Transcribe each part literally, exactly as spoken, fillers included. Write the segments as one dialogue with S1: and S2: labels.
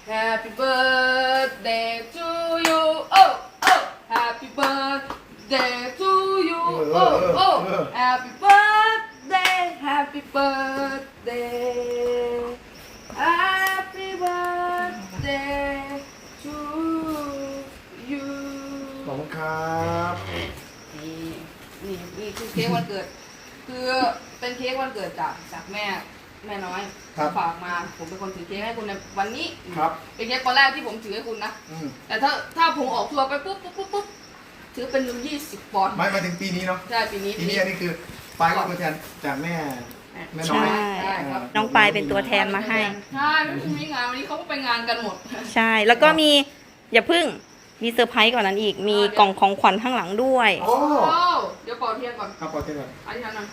S1: Happy birthday to you oh oh Happy birthday to you oh oh Happy birthday Happy birthday Happy birthday to you
S2: ขอบคุณครับ
S1: นี่นี่นี่คือเค้กวันเกิด คือเป็นเค้กวันเกิดจากจากแม่แม่น้อยฝากมาผมเป็นคนถือเค้กให้คุณในวันนี้
S2: ครับ
S1: เป็นเค้กวันแรกที่ผมถือให้คุณนะแต่ถ้าถ้าผมออกทัวร์ไปปุ๊บปุ๊บปุ๊บปุ๊บถือเป็นยี่สิบปอนด์
S2: ไม่มาถึงปีนี้เนาะ
S1: ใช่ปีนี้
S2: ปีนี้อันนี้คือปลายก็ตัวแทนจากแม่แม่น้อย
S3: ใช่น้องปายเป็นตัวแทนมาให้
S1: ใช่ไม่มีงานวันนี้เขาก็ไปงานกันหมด
S3: ใช่แล้วก็มีอย่าพึ่งมีเซอร์ไพรส์กว่านั้นอีก มีกล่องของขวัญข้างหลังด้วย
S2: โอ้
S1: โอ้เดี๋ยวเป่าเทียนก่อน
S2: ครับปอเท่ก่อน
S1: อันนี้นะ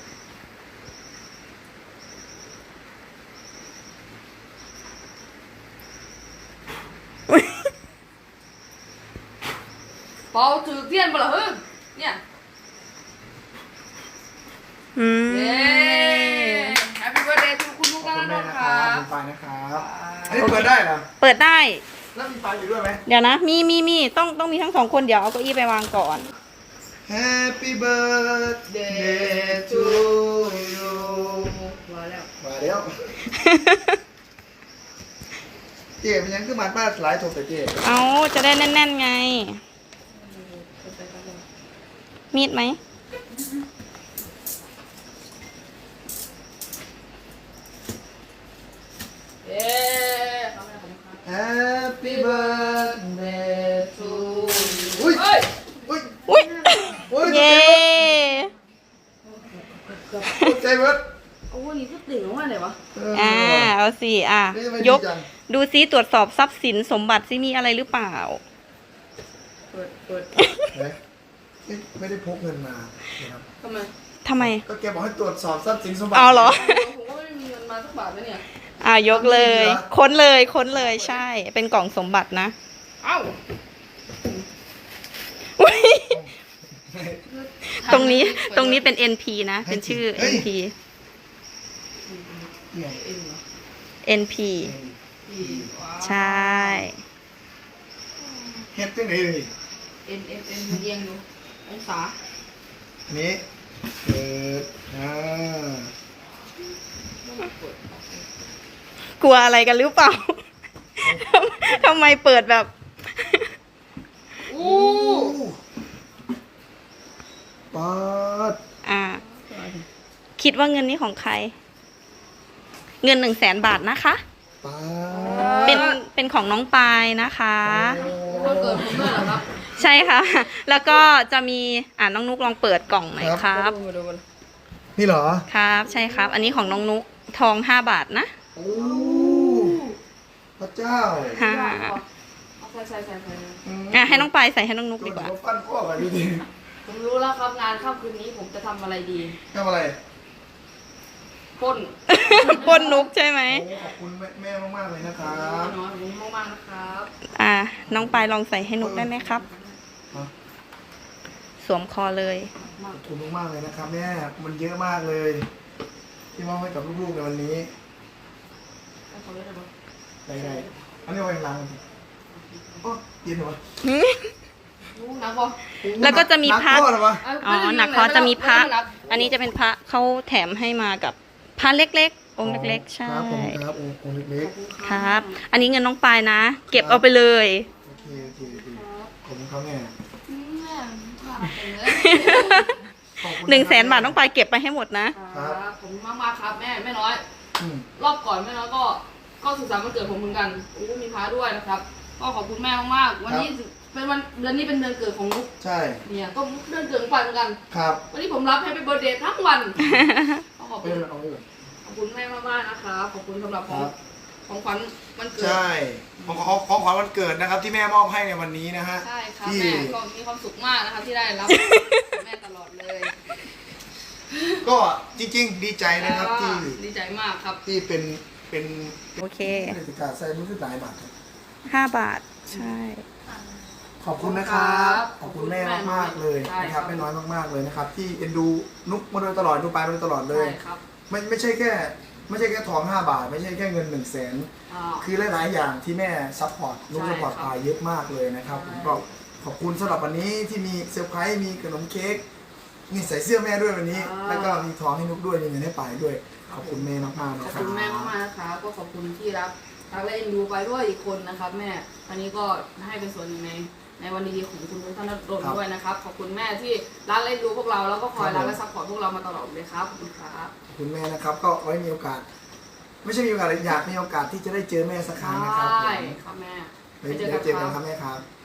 S1: เป่าถือเทียนเปล่าเฮ้ยเนี่ย
S3: อืม
S1: เย้ Happy birthday to คุณลูก
S2: ขอบ
S1: แล้ว
S2: คุณแม่
S1: นะ
S2: นะ
S1: ค
S2: ค
S1: รั
S2: รับบ คุณปายนะครับอันนี้เปิดได้เหรอ
S3: เปิดได้
S2: แล้วมีปายอยู่ด้วยไหม
S3: เดี๋ยวนะ มีมีมีต้องต้องมีทั้งสองคนเดี๋ยวเอาเก้าอี้ไปวางก่อน
S2: Happy birthday to you
S1: มาแล้ว
S2: มาแล้วเจ๊เป็นยังคือมันป้าหลายโทรแต่เจ๊
S3: เอาจะได้แน่นๆไง มีดไหม
S1: เย้ขอบคุณครับ
S2: Happy birthday to you อุ้ย
S1: เฮ้ย
S2: อุ้ย
S3: อุ้ย
S2: อุ้ย
S3: เย้
S2: ตกใจเบิร์ด
S1: โอ้ยนี่ก็ติ่งออกมาเลยวะ
S3: อ่าเอาสิอ่ะ
S2: นี่ทำไม
S3: ยก
S2: ดีจัง
S3: ดูซิตรวจสอบทรัพย์สินสมบัติซิมีอะไรหรือเปล่า
S1: เปิดเปิด
S2: เอ๊ะไม่ไม่ได้พกเงินมานะครับ
S1: ทำไม
S3: ทำไม
S2: ก็แกบอกให้ตรวจสอบทรัพย์สินสมบัติ
S3: เอาเหรอ
S1: ผมก็ไม่มีเงินมาสักบาทเลยเนี่ย
S3: อ่ายกเลย ค้นเลยค้นเลยใช่ เป็นกล่องสมบัตินะ
S1: เอ้า
S3: อุ๊ยตรงนี้ตรงนี้เป็น เอ็น พี นะ เป็นชื่อ เอ็น พี
S2: เนี่ย
S1: เอ็นเหรอ
S3: เอ็น พี
S1: อีว้าว
S3: ใช่
S2: เฮ็ดจังไหนเลย
S1: เอ็นเอ็นเอ็นมันเอียงอยู่องศา
S2: อันนี้เปิดอ่า
S3: กลัวอะไรกันหรือเปล่า ทำไมเปิดแบบ
S1: อู้
S2: ปาด
S3: อ่า คิดว่าเงินนี้ของใคร เงินหนึ่งแสนบาทนะคะ
S2: ปา
S3: เป็น
S2: ด
S3: เป็นของน้องปายนะคะ
S1: วันเกิดผมด้วยเหรอครับ
S3: ใช่ค่ะ แล้วก็จะมีอ่าน้องนุกลองเปิดกล่องหน่อยครับ
S1: มาดูกัน
S2: นี่เหรอ
S3: ครับ ใช่ครับ อันนี้ของน้องนุกทองห้าบาทนะ
S2: โอ้พระเจ้า
S3: ค่ะ
S1: เอาใส่ใส่ใส่ใส่
S3: อ่ะให้น้องปายใส่ให้น้องนุกดีกว่า
S2: โนฟันข้อกันดีดี
S1: ผมรู้แล้วครับงานค่ำคืนนี้ผมจะทำอะไรดี
S2: ทำอะไร
S1: ปล้น
S3: ปล้นนุกใช่ไหม
S2: โอ้ขอบคุณแม่แม่มากๆเลยนะครั
S1: น้
S2: บ
S1: อยผมมากๆนะครับ
S3: อ่า น้องปายลองใส่ให้นุกได้ไหมครับ
S2: ฮะ
S3: สวมคอเลย
S2: ขอบคุณมากๆเลยนะครับแม่มันเยอะมากเลย ที่มอบให้กับลูกๆในวันนี้
S1: ให้เขาเลยนะ
S2: ไหนๆอันนี้เอาไว้ล้างกันสิโอ้เย็นเหรอ
S1: รู้นะบอ
S3: แล้วก็จะมีพระ
S2: นักโทษเหรอวะ
S3: อ๋อหนักคอจะมีพระ อันนี้จะเป็นพระเขาแถมให้มากับพระเล็กๆ องค์เล็กๆ ใช่
S2: ครับผมครับองค์องค์เล็ก
S3: ครับ อันนี้เงินน้องปายนะ เก็บเอาไปเลย
S2: ๆโอเคโอเคโอเคขอบคุณครับแม่
S1: แม่ผ่าไปเลย
S2: ขอบคุณ
S3: หนึ่งแสนบาทน้องปายเก็บไปให้หมดนะ
S1: ครับผมมากมากๆครับแม่แม่น้อย
S2: อืม
S1: รอบก่อนแม่น้อยก็ก็สุขสันต์วันเกิดผมเหมือนกันโอ้มีพาด้วยนะครับ ก็ขอบคุณแม่มากๆวันนี้เป็นวันเดือนนี้เป็นเดือนเกิดของนุ๊ก
S2: ใช่
S1: เนี่ยก็เดือนเกิดของปายเหมือนกัน
S2: ครับ
S1: วันนี้ผมรับแฮปปี้เบิร์ธเดย์ทั้งวันก็ขอบ
S2: เอ
S1: คุณ
S2: อเอาไว้ก่อน
S1: ขอบคุณแม่มากๆนะครับขอบคุณสำหรับของ
S2: ครับ
S1: ของขวัญวันเกิด
S2: ใช่ของของของขวัญวันเกิดนะครับ ที่แม่มอบให้ในวันนี้นะฮะ
S1: ใช่ครับ
S2: ที่
S1: แม่ก็มีความสุขมากนะคะที่ได้รับ แม่ตลอดเลย
S2: ก็จริงๆ ดีใจนะครับที่
S1: ดีใจมากครับ
S2: ที่เป็นเป็น
S3: โอเค
S2: เทศกาลใส่รู้สึกหลายบาทครับ
S3: ห้าบาท ใช่
S2: ขอบคุณนะครับ ขอบคุณแม่มากๆเลย
S1: ใช่
S2: นะค
S1: ครั
S2: รับ บแม่น้อยมากๆเลยนะครับ ที่เอ็นดูนุกมาโดยตลอดดูปลายมาโดยตลอดเลย
S1: ใช่ครับ
S2: ไม่ไม่ใช่แค่ไม่ใช่แค่ทองห้าบาทไม่ใช่แค่เงินหนึ่งแสน
S1: อ่า
S2: คือหลายๆอย่างที่แม่ซัพพอร์ตลูก
S1: ใช่
S2: ซัพพอร์ต
S1: ครับ
S2: ปายเยอะมากเลยนะครับ
S1: ใช่
S2: ผมก็ขอบคุณสำหรับวันนี้ที่มีเซอร์ไพรส์มีขนมเค้กนี่ใส่เสื้อแม่ด้วยวันนี้ แล้วก็มีทองให้นุกด้วยมีเงินให้ปายด้วยขอบคุณแม่มากๆ
S1: ข
S2: นะ
S1: อบ
S2: ครั
S1: คุณแม่มากๆนะคะก็ขอบคุณที่รักรักและเอ็นดูไปด้วยอีกคนนะครับแม่อันนี้ก็ให้เป็นส่วนหนึ่งในในวันดีๆของคุณท่านนรนด้วยนะครับขอบคุณแม่ที่รักและเอ็นดูพวกเราแล้วก็คอยรักและซัพพอร์ตพวกเรามาตลอดเลยครับขอบคุณครับ
S2: ขอบคุณแม่นะครับก็ไว้มีโอกาส ไม่ใช่มีโอกาสอยากมีโอกาสที่จะได้เจอแม่สักครั้งนะครับ
S1: ใช่
S2: ผม
S1: ครับแม่
S2: เดี๋ยวเจอกันครับแม่ครับ